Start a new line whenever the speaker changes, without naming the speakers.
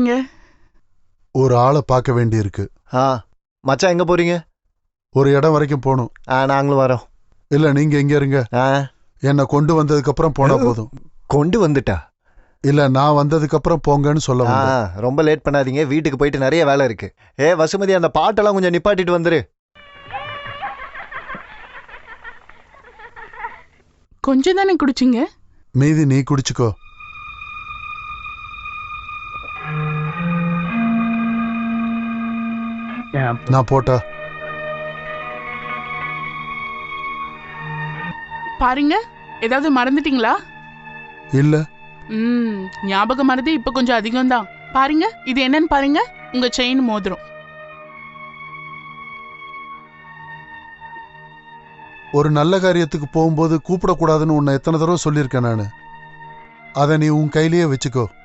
போறீங்க?
ஒரு ஆளை பார்க்க வேண்டியிருக்கு.
மச்சான் எங்க போறீங்க?
ஒரு இடம் வரைக்கும் போகணும்.
நாங்களும் வரோம்.
இல்ல நீங்க எங்க இருங்க. என்ன கொண்டு வந்ததுக்கு அப்புறம் போனா போதும்.
கொண்டு வந்துட்டா?
இல்ல நான் வந்ததுக்கு அப்புறம் போங்கன்னு சொல்ல வந்தேன்.
ரொம்ப லேட் பண்ணாதீங்க, வீட்டுக்கு போயிட்டு நிறைய வேலை இருக்கு. வசுமதி, அந்த பாட்டெல்லாம் கொஞ்சம் நிப்பாட்டிட்டு வந்துரு.
கொஞ்சம் தானே குடிச்சிங்க,
மீதி நீ குடிச்சுக்கோ. நான் போட்டா
பாருங்க. ஏதாவது மறந்துட்டீங்களா?
இல்ல.
ஞாபகம் மறதி இப்ப கொஞ்சம் அதிகம் தான். பாருங்க, இது என்னன்னு பாருங்க. உங்க செயின் மோதிரம்.
ஒரு நல்ல காரியத்துக்கு போகும்போது கூப்பிடக்கூடாதுன்னு உன்னை எத்தனை தடவை சொல்லியிருக்கேன் நானு. அதை நீ உன் கையிலேயே வச்சுக்கோ.